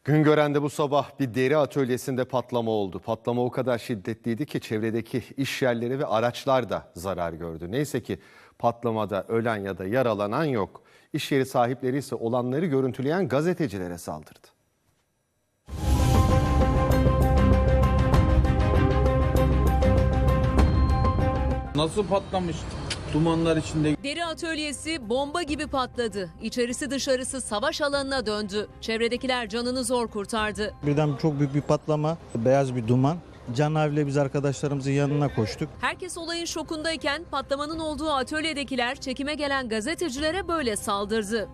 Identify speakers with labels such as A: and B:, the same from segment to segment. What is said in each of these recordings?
A: Güngören'de bu sabah bir deri atölyesinde patlama oldu. Patlama o kadar şiddetliydi ki çevredeki iş yerleri ve araçlar da zarar gördü. Neyse ki patlamada ölen ya da yaralanan yok. İş yeri sahipleri ise olanları görüntüleyen gazetecilere saldırdı.
B: Nasıl patlamış? Dumanlar içinde.
C: Deri atölyesi bomba gibi patladı. İçerisi dışarısı savaş alanına döndü. Çevredekiler canını zor kurtardı.
D: Birden çok büyük bir patlama, beyaz bir duman. Canavle biz arkadaşlarımızın yanına koştuk.
C: Herkes olayın şokundayken patlamanın olduğu atölyedekiler çekime gelen gazetecilere böyle saldırdı.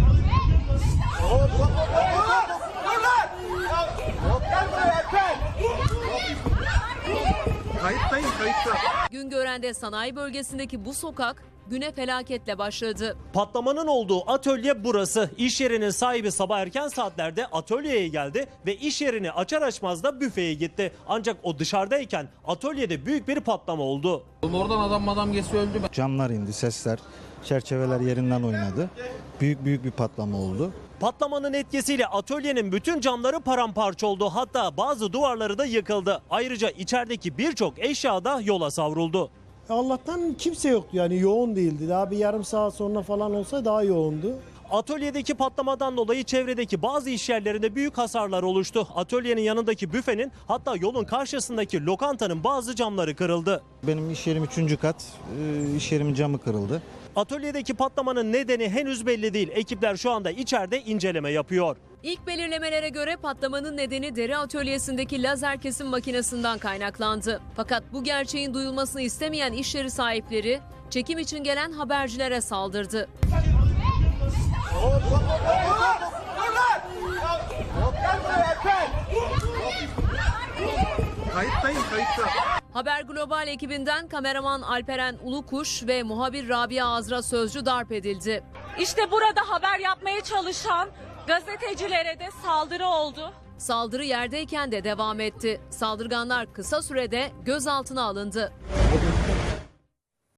B: Kayıttayım, kayıtta.
C: Güngören'de sanayi bölgesindeki bu sokak güne felaketle başladı.
E: Patlamanın olduğu atölye burası. İş yerinin sahibi sabah erken saatlerde atölyeye geldi ve iş yerini açar açmaz da büfeye gitti. Ancak o dışarıdayken atölyede büyük bir patlama oldu.
B: Oradan adam geçti öldü.
D: Camlar indi, sesler, çerçeveler yerinden oynadı. Büyük bir patlama oldu.
E: Patlamanın etkisiyle atölyenin bütün camları paramparça oldu. Hatta bazı duvarları da yıkıldı. Ayrıca içerideki birçok eşya da yola savruldu.
F: Allah'tan kimse yoktu, yani yoğun değildi. Daha bir yarım saat sonra falan olsa daha yoğundu.
E: Atölyedeki patlamadan dolayı çevredeki bazı iş yerlerinde büyük hasarlar oluştu. Atölyenin yanındaki büfenin, hatta yolun karşısındaki lokantanın bazı camları kırıldı.
D: Benim iş yerim 3. kat, iş yerimin camı kırıldı.
E: Atölyedeki patlamanın nedeni henüz belli değil. Ekipler şu anda içeride inceleme yapıyor.
C: İlk belirlemelere göre patlamanın nedeni deri atölyesindeki lazer kesim makinesinden kaynaklandı. Fakat bu gerçeğin duyulmasını istemeyen iş yeri sahipleri çekim için gelen habercilere saldırdı.
B: Kayıttayım, kayıtta.
C: Haber Global ekibinden kameraman Alperen Ulukuş ve muhabir Rabia Azra Sözcü darp edildi.
G: İşte burada haber yapmaya çalışan gazetecilere de saldırı oldu.
C: Saldırı yerdeyken de devam etti. Saldırganlar kısa sürede gözaltına alındı.